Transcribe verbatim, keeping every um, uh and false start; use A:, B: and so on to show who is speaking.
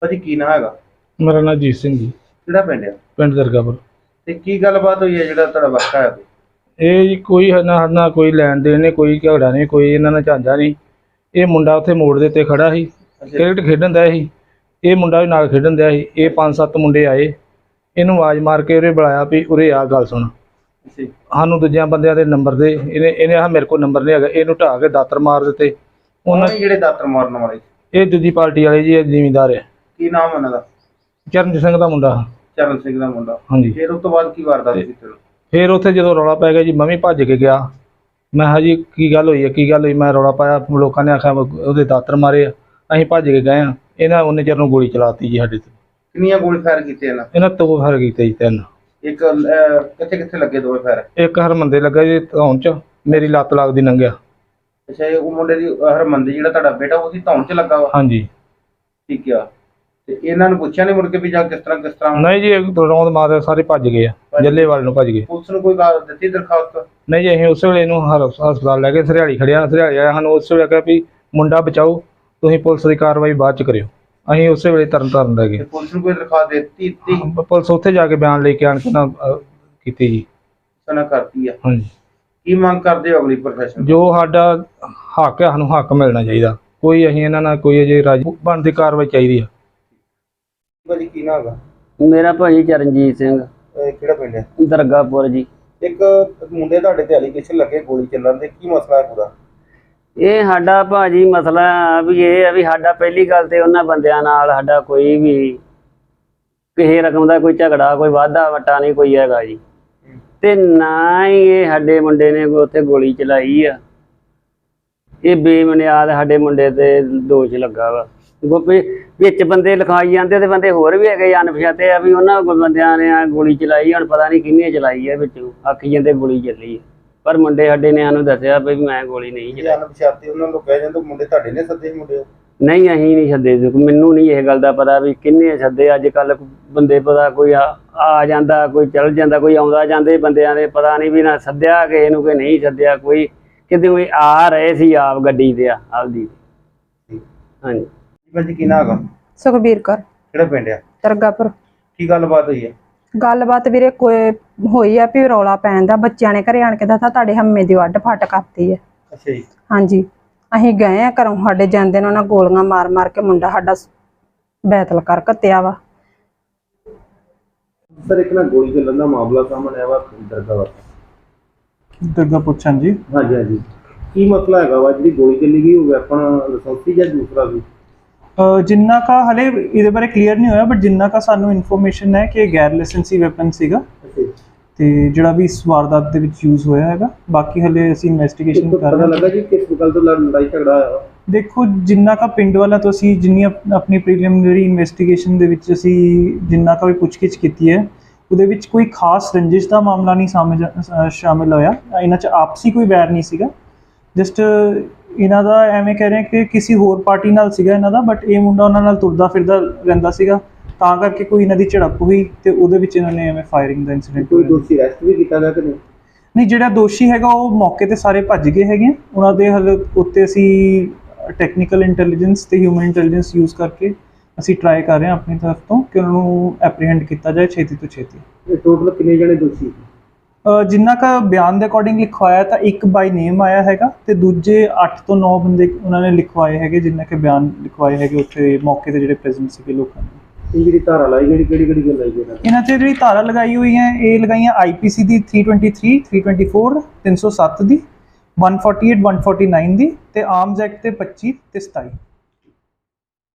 A: ਭਾਜੀ ਕੀ ਨਾਂ ਹੈਗਾ?
B: ਮੇਰਾ ਨਾਮ ਜੀਤ ਸਿੰਘ ਜੀ।
A: ਕਿਹੜਾ ਪਿੰਡ ਆ?
B: ਪਿੰਡ ਦਰਗਾਪੁਰ।
A: ਤੇ ਕੀ ਗੱਲਬਾਤ ਹੋਈ ਹੈ ਜਿਹੜਾ ਤੁਹਾਡਾ ਵਾਕਾ ਹੈ?
B: ਇਹ ਜੀ ਕੋਈ ਨਾ ਨਾ ਕੋਈ ਲੈਣ ਦੇਣ ਨਹੀਂ, ਕੋਈ ਝਗੜਾ ਨਹੀਂ, ਕੋਈ ਇਹਨਾਂ ਨਾਲ ਝਾਂਜਾ ਨਹੀਂ। ਇਹ ਮੁੰਡਾ ਉੱਥੇ ਮੋੜ ਦੇ ਉੱਤੇ ਖੜਾ ਸੀ, ਕ੍ਰਿਕਟ ਖੇਡਣ ਦਿਆ ਸੀ। ਇਹ ਮੁੰਡਾ ਵੀ ਨਾਲ ਖੇਡਣ ਦਿਆ ਸੀ। ਇਹ ਪੰਜ ਸੱਤ ਮੁੰਡੇ ਆਏ, ਇਹਨੂੰ ਆਵਾਜ਼ ਮਾਰ ਕੇ ਉਰੇ ਬੁਲਾਇਆ ਵੀ ਉਰੇ ਆ ਗੱਲ ਸੁਣ। ਸਾਨੂੰ ਦੂਜਿਆਂ ਬੰਦਿਆਂ ਦੇ ਨੰਬਰ ਦੇ, ਇਹਨੇ ਇਹਨੇ ਆ ਮੇਰੇ ਕੋਲ ਨੰਬਰ ਨਹੀਂ ਹੈਗਾ, ਇਹਨੂੰ ਢਾਹ ਕੇ ਦਾਤਰ ਮਾਰ ਦਿੱਤੇ।
A: ਉਹਨਾਂ ਨੇ ਜਿਹੜੇ ਦਾਤਰ ਮਾਰਨ ਵਾਲੇ?
B: ਇਹ ਦੂਜੀ ਪਾਰਟੀ ਵਾਲੇ ਜੀ, ਇਹ ਜ਼ਿਮੀਂਦਾਰ ਹੈ।
A: ਕੀ ਨਾਮ ਉਹਨਾਂ ਦਾ?
B: ਚਰਨਜੀਤ ਸਿੰਘ ਦਾ ਮੁੰਡਾ।
A: ਚਰਨ ਸਿੰਘ ਦਾ ਮੁੰਡਾ।
B: ਹਾਂਜੀ।
A: ਫਿਰ ਉਸ ਤੋਂ ਬਾਅਦ ਕੀ ਵਾਰਦਾਤ ਕੀਤੀ?
B: ਫਿਰ ਉੱਥੇ ਜਦੋਂ ਰੌਲਾ ਪੈ ਗਿਆ ਜੀ, ਮੈਂ ਵੀ ਭੱਜ ਕੇ ਗਿਆ। ਮੈਂ ਕਿਹਾ ਜੀ ਕੀ ਗੱਲ ਹੋਈ ਹੈ, ਕੀ ਗੱਲ ਹੋਈ? ਮੈਂ ਰੌਲਾ ਪਾਇਆ, ਲੋਕਾਂ ਨੇ ਆਖਿਆ ਉਹਦੇ ਦਾਤਰ ਮਾਰੇ ਆ। ਅਸੀਂ ਭੱਜ ਕੇ ਗਏ ਹਾਂ, ਇਹਨਾਂ ਉਹਨੇ ਚਿਰ ਨੂੰ ਗੋਲੀ ਚਲਾਤੀ ਜੀ ਸਾਡੇ ਤੇ।
A: ਕਿੰਨੀਆਂ ਗੋਲੀ ਫਾਇਰ ਕੀਤੇ ਇਹਨਾਂ?
B: ਇਹਨਾਂ ਦੋ ਫਾਇਰ ਕੀਤੇ ਜੀ, ਤਿੰਨ।
A: ਇੱਕ ਕਿੱਥੇ ਕਿੱਥੇ ਲੱਗੇ? ਦੋਵੇਂ ਫਾਇਰ?
B: ਇੱਕ ਹਰਮੰਦੇ ਲੱਗਾ ਜੀ ਧੌਣ 'ਚ, ਮੇਰੀ ਲੱਤ ਲੱਗਦੀ ਲੰਘਿਆ।
A: ਅੱਛਾ, ਉਹ ਮੁੰਡੇ ਦੀ ਹਰਮੰਦੇ ਜਿਹੜਾ ਤੁਹਾਡਾ ਬੇਟਾ ਉਹਦੀ ਧੌਣ 'ਚ ਲੱਗਾ ਵਾ?
B: ਹਾਂਜੀ।
A: ਠੀਕ ਆ। ਤੇ ਇਹਨਾਂ ਨੂੰ ਪੁੱਛਿਆ ਨਹੀਂ ਮੁੜ ਕੇ ਵੀ ਜਾਂ ਕਿਸ ਤਰ੍ਹਾਂ ਕਿਸ ਤਰ੍ਹਾਂ?
B: ਨਹੀਂ ਜੀ, ਰੌਂਦ ਮਾਰ ਸਾਰੇ ਭੱਜ ਗਏ ਆ, ਜੱਲੇਵਾਲ ਨੂੰ ਭੱਜ ਗਏ।
A: ਪੁਲਿਸ ਨੂੰ ਕੋਈ ਗੱਲ ਦਿੱਤੀ ਦਰਖਾਸਤ?
B: ਨਹੀਂ ਜੀ, ਅਸੀਂ ਉਸੇ ਵੇਲੇ ਇਹਨੂੰ ਹਸਪਤਾਲ ਲੈ ਕੇ ਸਰਿਆਲੀ ਖੜਿਆ। ਸਰਿਆਲੀ ਆਇਆ ਸਾਨੂੰ ਉਸੇ ਵੇਲੇ ਕਿਹਾ ਵੀ ਮੁੰਡਾ ਬਚਾਓ, ਤੁਸੀਂ ਪੁਲਿਸ ਦੀ ਕਾਰਵਾਈ ਬਾਅਦ 'ਚ ਕਰਿਓ। ਅਸੀਂ ਉਸੇ ਵੇਲੇ ਤਰਨ ਤਾਰਨ ਲੈ ਗਏ।
A: ਪੁਲਿਸ ਨੂੰ ਕੋਈ ਦਰਖਾਸਤ ਦਿੱਤੀ? ਦਿੱਤੀ
B: ਪੁਲਿਸ ਉੱਥੇ ਜਾ ਕੇ ਬਿਆਨ ਲੈ ਕੇ ਆਣ ਕੇ ਨਾ ਕੀਤੀ ਜੀ।
A: ਸਨਾ ਕਰਤੀ ਆ।
B: ਹਾਂਜੀ।
A: ਕੀ ਮੰਗ ਕਰਦੇ ਹੋ ਅਗਲੀ ਪ੍ਰਸ਼ਾਸਨ?
B: ਜੋ ਸਾਡਾ ਹੱਕ ਹੈ, ਸਾਨੂੰ ਹੱਕ ਮਿਲਣਾ ਚਾਹੀਦਾ। ਕੋਈ ਅਸੀਂ ਇਹਨਾਂ ਨਾਲ ਕੋਈ ਅਜੇ ਰਾਜੀ ਬਣਦੀ ਕਾਰਵਾਈ ਚਾਹੀਦੀ ਆ।
A: ਭਾਜੀ ਕੀ ਨਾਮ ਹੈਗਾ?
C: ਮੇਰਾ ਭਾਜੀ ਚਰਨਜੀਤ ਸਿੰਘ।
A: ਕਿਹੜਾ ਪਿੰਡ ਹੈ?
C: ਦਰਗਾਪੁਰ ਜੀ। ਇੱਕ
A: ਮੁੰਡੇ ਤੁਹਾਡੇ ਤੇ ਐਲੀਗੇਸ਼ਨ ਲੱਗੇ ਗੋਲੀ ਚੱਲਣ ਦੇ, ਕੀ ਮਸਲਾ ਹੈ ਪੂਰਾ?
C: ਇਹ ਸਾਡਾ ਭਾਜੀ ਮਸਲਾ ਵੀ ਇਹ ਆ ਵੀ ਸਾਡਾ ਪਹਿਲੀ ਗੱਲ ਤੇ ਉਹਨਾਂ ਬੰਦਿਆਂ ਨਾਲ ਸਾਡਾ ਕੋਈ ਵੀ ਕਿਸੇ ਰਕਮ ਦਾ ਕੋਈ ਝਗੜਾ, ਕੋਈ ਵਾਧਾ ਵਟਾ ਨਹੀਂ ਕੋਈ ਹੈਗਾ ਜੀ। ਤੇ ਨਾ ਹੀ ਇਹ ਸਾਡੇ ਮੁੰਡੇ ਨੇ ਉੱਥੇ ਗੋਲੀ ਚਲਾਈ ਆ। ਇਹ ਬੇਬੁਨਿਆਦ ਸਾਡੇ ਮੁੰਡੇ ਤੇ ਦੋਸ਼ ਲੱਗਾ ਵਾ। ਗੋਪੀ ਵਿੱਚ ਬੰਦੇ ਲਿਖਾਈ ਜਾਂਦੇ ਤੇ ਬੰਦੇ ਹੋਰ ਵੀ ਹੈਗੇ ਅਣਪਛਾਤੇ ਆ ਵੀ ਉਹਨਾਂ ਬੰਦਿਆਂ ਨੇ ਗੋਲੀ ਚਲਾਈ। ਹੁਣ ਪਤਾ ਨਹੀਂ ਕਿਹਨੇ ਚਲਾਈ ਹੈ, ਵਿੱਚੋਂ ਆਖੀ ਜਾਂਦੇ ਗੋਲੀ ਚੱਲੀ ਹੈ, ਪਰ ਮੁੰਡੇ ਸਾਡੇ ਨੇ ਸਾਨੂੰ ਦੱਸਿਆ ਵੀ ਮੈਂ ਗੋਲੀ ਨਹੀਂ ਚਲਾਈ।
A: ਅਣਪਛਾਤੇ ਉਹਨਾਂ ਨੂੰ ਕਹਿ ਜਾਂਦੇ ਮੁੰਡੇ ਤੁਹਾਡੇ ਨੇ ਸੱਦੇ ਮੁੰਡੇ?
C: ਨਹੀਂ, ਅਸੀਂ ਨਹੀਂ ਸੱਦੇ। ਮੈਨੂੰ ਨਹੀਂ ਇਹ ਗੱਲ ਦਾ ਪਤਾ ਵੀ ਕਿੰਨੇ ਸੱਦੇ। ਅੱਜ ਕੱਲ ਬੰਦੇ ਪਤਾ ਕੋਈ ਆ ਜਾਂਦਾ, ਕੋਈ ਚੱਲ ਜਾਂਦਾ, ਕੋਈ ਆਉਂਦਾ ਜਾਂਦੇ ਬੰਦਿਆਂ ਦੇ ਪਤਾ ਨਹੀਂ ਵੀ ਨਾ ਸੱਦਿਆ ਕਿਸੇ ਨੂੰ ਕਿ ਨਹੀਂ ਸੱਦਿਆ। ਕੋਈ ਕਿਤੇ ਕੋਈ ਆ ਰਹੇ ਸੀ ਆਪ ਗੱਡੀ ਤੇ ਆ ਆਪਦੀ। ਹਾਂਜੀ।
A: ਭਾਜੀ ਕੀ ਨਾਮ ਹੈਗਾ?
D: ਸੁਖਬੀਰ ਕੌਰ।
A: ਕਿਹੜਾ ਪਿੰਡ ਆ?
D: ਦਰਗਾਪੁਰ।
A: ਕੀ ਗੱਲਬਾਤ ਹੋਈ ਹੈ?
D: ਗੱਲਬਾਤ ਵੀਰੇ ਕੋਈ ਹੋਈ ਆ ਵੀ ਰੌਲਾ ਪੈਣ ਦਾ। ਬੱਚਿਆਂ ਨੇ ਘਰੇ ਆਣ ਕੇ ਦੱਸਿਆ ਤੁਹਾਡੇ ਹੰਮੇ ਦੀ ਵੱਢ ਫੱਟ ਕਰਤੀ ਹੈ।
A: ਅੱਛਾ ਜੀ।
D: ਹਾਂਜੀ। ਅਸੀਂ ਗਏ ਆ ਘਰੋਂ, ਸਾਡੇ ਜਾਂਦੇ ਨੇ ਉਹਨਾਂ ਗੋਲੀਆਂ ਮਾਰ ਮਾਰ ਕੇ ਮੁੰਡਾ ਸਾਡਾ ਬੈਤਲ ਕਰ ਘੱਤਿਆ ਵਾ।
A: ਸਰ ਇੱਕ ਨਾ ਗੋਲੀ ਚੱਲਣ ਦਾ ਮਾਮਲਾ ਸਾਹਮਣੇ ਆਇਆ ਵਾ ਦਰਗਾਪੁਰ।
B: ਦਰਗਾਪੁਰ ਜੀ।
A: ਹਾਂਜੀ ਹਾਂਜੀ। ਕੀ ਮਸਲਾ ਹੈਗਾ ਵਾ ਜਿਹੜੀ ਗੋਲੀ ਚੱਲੀ ਗਈ? ਉਹ ਵੈਪਨ ਲਾਇਸੈਂਸੀ ਜਾਂ ਦੂਸਰਾ ਸੀ?
E: ਜਿੰਨਾ ਕਾ ਹਲੇ ਇਹਦੇ ਬਾਰੇ ਕਲੀਅਰ ਨਹੀਂ ਹੋਇਆ, ਬਟ ਜਿੰਨਾ ਕਾ ਸਾਨੂੰ ਇਨਫੋਰਮੇਸ਼ਨ ਹੈ ਕਿ ਗੈਰ ਲਾਇਸੈਂਸੀ ਵੈਪਨ ਸੀਗਾ ਤੇ ਜਿਹੜਾ ਵੀ ਇਸ ਵਾਰਦਾਤ ਦੇ ਵਿੱਚ ਯੂਜ਼ ਹੋਇਆ ਹੈਗਾ। ਬਾਕੀ ਹਲੇ ਅਸੀਂ ਇਨਵੈਸਟੀਗੇਸ਼ਨ ਕਰ ਰਹੇ ਹਾਂ।
A: ਪਤਾ ਲੱਗਾ ਜੀ ਕਿਸ ਗੱਲ ਤੋਂ ਲੜਾਈ ਝਗੜਾ ਹੋਇਆ?
E: ਦੇਖੋ, ਜਿੰਨਾ ਕਾ ਪਿੰਡ ਵਾਲਾ ਤੋਂ ਅਸੀਂ ਜਿੰਨੀ ਆਪਣੀ ਪ੍ਰੀਲਿਮਿਨਰੀ ਇਨਵੈਸਟੀਗੇਸ਼ਨ ਦੇ ਵਿੱਚ ਅਸੀਂ ਜਿੰਨਾ ਕਾ ਵੀ ਪੁੱਛਗਿੱਛ ਕੀਤੀ ਹੈ, ਉਹਦੇ ਵਿੱਚ ਕੋਈ ਖਾਸ ਰੰਜਿਸ਼ ਦਾ ਮਾਮਲਾ ਨਹੀਂ ਸਾਹਮਣੇ ਸ਼ਾਮਿਲ ਹੋਇਆ। ਇਹਨਾਂ 'ਚ ਆਪਸੀ ਕੋਈ ਵੈਰ ਨਹੀਂ ਸੀਗਾ। ਜਸਟ ਇਹਨਾਂ ਦਾ ਐਵੇਂ ਕਹਿ ਰਹੇ ਕਿ ਕਿਸੇ ਹੋਰ ਪਾਰਟੀ ਨਾਲ ਸੀਗਾ ਇਹਨਾਂ ਦਾ, ਬਟ ਇਹ ਮੁੰਡਾ ਉਹਨਾਂ ਨਾਲ ਤੁਰਦਾ ਫਿਰਦਾ ਰਹਿੰਦਾ ਸੀਗਾ, ਤਾਂ ਕਰਕੇ ਕੋਈ ਇਹਨਾਂ ਦੀ ਝੜਪ ਹੋਈ ਤੇ ਉਹਦੇ ਵਿੱਚ ਇਹਨਾਂ ਨੇ ਐਵੇਂ ਫਾਇਰਿੰਗ ਦਾ ਇਨਸੀਡੈਂਟ।
A: ਕੋਈ ਦੋਸ਼ੀ ਅਰੈਸਟ ਵੀ ਕੀਤਾ ਗਿਆ ਕਿ ਨਹੀਂ?
E: ਨਹੀਂ, ਜਿਹੜਾ ਦੋਸ਼ੀ ਹੈਗਾ ਉਹ ਮੌਕੇ ਤੇ ਸਾਰੇ ਭੱਜ ਗਏ ਹੈਗੇ। ਉਹਨਾਂ ਦੇ ਹਲ ਉੱਤੇ ਅਸੀਂ ਟੈਕਨੀਕਲ ਇੰਟੈਲੀਜੈਂਸ ਤੇ ਹਿਊਮਨ ਇੰਟੈਲੀਜੈਂਸ ਯੂਜ਼ ਕਰਕੇ ਅਸੀਂ ਟਰਾਈ ਕਰ ਰਹੇ ਹਾਂ ਆਪਣੀ ਤਰਫ ਤੋਂ ਕਿ ਉਹਨਾਂ ਨੂੰ ਐਪਰੀਹੈਂਡ ਕੀਤਾ ਜਾਏ ਛੇਤੀ ਤੋਂ ਛੇਤੀ।
A: ਇਹ ਟੋਟਲ ਕਿੰਨੇ ਜਣੇ ਦੋਸ਼ੀ?
E: ਜਿੰਨਾ ਕਾ ਬਿਆਨ ਦੇ ਅਕੋਰਡਿੰਗ ਲਿਖਵਾਇਆ ਤਾਂ ਇੱਕ ਬਾਈ ਨੇਮ ਆਇਆ ਹੈਗਾ ਤੇ ਦੂਜੇ ਅੱਠ ਤੋਂ ਨੌ ਬੰਦੇ ਉਹਨਾਂ ਨੇ ਲਿਖਵਾਏ ਹੈਗੇ, ਜਿੰਨਾ ਕਿ ਬਿਆਨ ਲਿਖਵਾਏ ਹੈਗੇ ਉੱਥੇ ਮੌਕੇ ਤੇ ਜਿਹੜੇ ਪ੍ਰੈਜ਼ੈਂਟ ਸੀਗੇ ਲੋਕਾਂ ਨੇ।
A: ਇਹ ਜਿਹੜੀ ਧਾਰਾ ਲਾਈ ਜਿਹੜੀ ਕਿਹੜੀ ਕਿਹੜੀ ਗੱਲ ਲਾਈ ਗਈ
E: ਇਹਨਾਂ 'ਚ ਜਿਹੜੀ ਧਾਰਾ ਲਗਾਈ ਹੋਈ ਹੈ, ਇਹ ਲਗਾਈਆਂ ਆਈ ਪੀ ਸੀ ਦੀ three twenty three, three twenty four, ਤਿੰਨ ਸੌ ਸੱਤ ਦੀ, one forty eight, one forty nine ਦੀ ਤੇ ਆਰਮਜ਼ ਐਕਟ ਤੇ ਪੱਚੀ ਤੇ ਸਤਾਈ।